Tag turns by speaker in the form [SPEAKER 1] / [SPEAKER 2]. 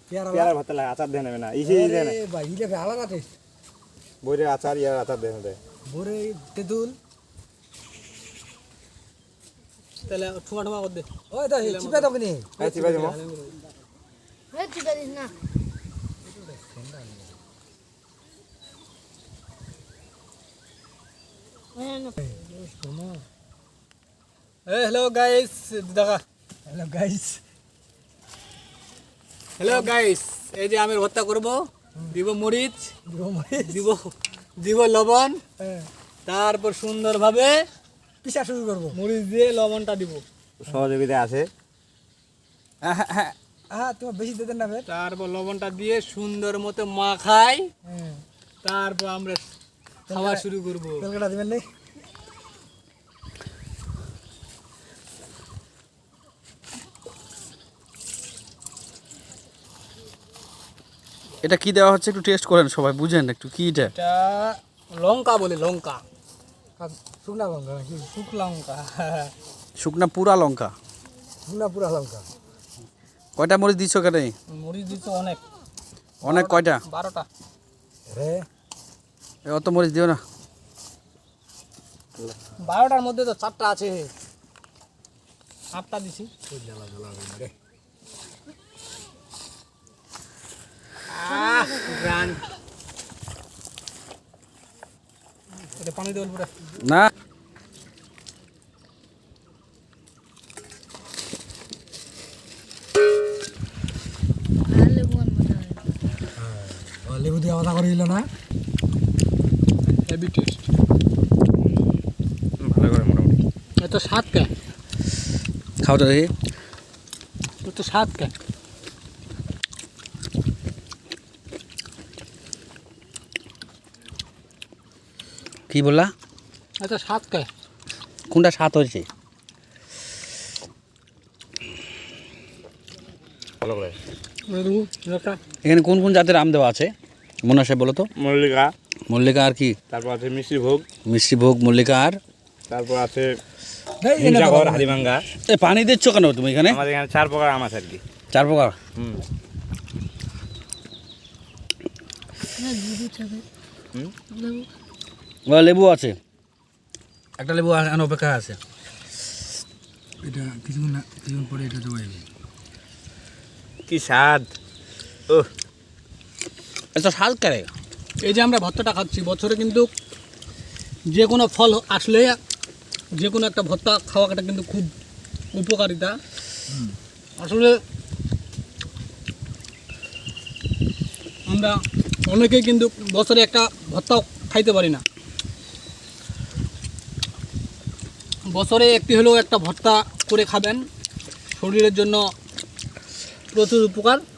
[SPEAKER 1] পেয়ারা ভর্তা লাগে আচার দেন না ইসে দেন
[SPEAKER 2] ভাই ইলে আলাদা টেস্ট
[SPEAKER 1] বইরে আচার ইয়ার আচার দেন দে
[SPEAKER 2] বরে তেঁতুল
[SPEAKER 3] তাহলে ঠোঙা ঠোঙা কর দে
[SPEAKER 2] ওই তো চিপে দাও কিনি
[SPEAKER 1] এই চিপা দিমু
[SPEAKER 4] হে চিপে দিস না
[SPEAKER 3] হ্যালো গাইস দেখা
[SPEAKER 2] হ্যালো গাইস
[SPEAKER 3] হ্যালো গাইস এই যে আমি ভর্তা করব দিব মরিচ দিব দিব লবণ তারপর সুন্দরভাবে
[SPEAKER 2] পিসা শুরু করবো
[SPEAKER 3] মরিচ দিয়ে লবণটা দিব
[SPEAKER 1] সহযোগিতা আছে
[SPEAKER 2] হ্যাঁ তোমার বেশি দিতেন না ফের
[SPEAKER 3] তারপর লবণটা দিয়ে সুন্দর মতো মাখাই তারপর আমরা খাওয়া শুরু করব
[SPEAKER 2] তেলকাটা দিবেন নেই
[SPEAKER 5] এটা কি দেওয়া হচ্ছে একটু টেস্ট করেন সবাই বুঝেন একটু কি এটা
[SPEAKER 3] এটা লঙ্কা বলে লঙ্কা
[SPEAKER 2] শুকনা লঙ্কা নাকি
[SPEAKER 3] শুকনো লঙ্কা
[SPEAKER 5] শুকনা পুরা লঙ্কা
[SPEAKER 2] শুকনা পুরা লঙ্কা
[SPEAKER 5] কয়টা মরিচ দিচ্ছ কেন
[SPEAKER 3] মরিচ দিচ্ছে অনেক
[SPEAKER 5] অনেক কয়টা
[SPEAKER 3] 12টা
[SPEAKER 2] রে
[SPEAKER 5] অত মরিচ দিও না
[SPEAKER 3] 12টার মধ্যে তো 4টা আছে 8টা দিছি গ্রান্ড এটা পানি দেওয়ার পরে
[SPEAKER 5] না
[SPEAKER 2] লেবু দিয়ে আলাদা করে দিল না
[SPEAKER 3] হেভি টেস্ট
[SPEAKER 1] ভালো করে মোটামুটি
[SPEAKER 3] এত স্বাদ কে
[SPEAKER 5] খাও তো দেখি
[SPEAKER 3] এত স্বাদ কে
[SPEAKER 5] কি বললা
[SPEAKER 3] এত স্বাদ কে
[SPEAKER 5] কোনটা স্বাদ হয়েছে
[SPEAKER 1] ভালো করে
[SPEAKER 5] এখানে কোন কোন জাতের আম দেওয়া আছে মনে আছে বলো তো
[SPEAKER 1] মল্লিকা
[SPEAKER 5] মল্লিকা আর কি
[SPEAKER 1] তারপর আছে মিষ্টি ভোগ
[SPEAKER 5] মিষ্টি ভোগ মল্লিকা আর
[SPEAKER 1] তারপর আছে হিমসাগর হালিমাঙ্গা
[SPEAKER 5] এ পানি দিচ্ছ কেন তুমি এখানে
[SPEAKER 1] আমাদের এখানে 4 প্রকার আম আছে আর কি
[SPEAKER 5] 4 প্রকার
[SPEAKER 1] হুম
[SPEAKER 4] না দুধ চাবে লেবু
[SPEAKER 5] লেবু আছে একটা লেবু অপেক্ষা আছে
[SPEAKER 2] এটা কিছুক্ষণ পরে এটা জমে যাবে
[SPEAKER 1] কি স্বাদ ও
[SPEAKER 5] এত স্বাদ করে
[SPEAKER 3] এই যে আমরা ভর্তাটা খাচ্ছি বছরে কিন্তু যে কোনো ফল আসলে যে কোনো একটা ভর্তা খাওয়াটা কিন্তু খুব উপকারিতা আসলে আমরা অনেকেই কিন্তু বছরে একটা ভর্তা খাইতে পারি না বছরে একটি হলেও একটা ভর্তা করে খাবেন শরীরের জন্য প্রচুর উপকার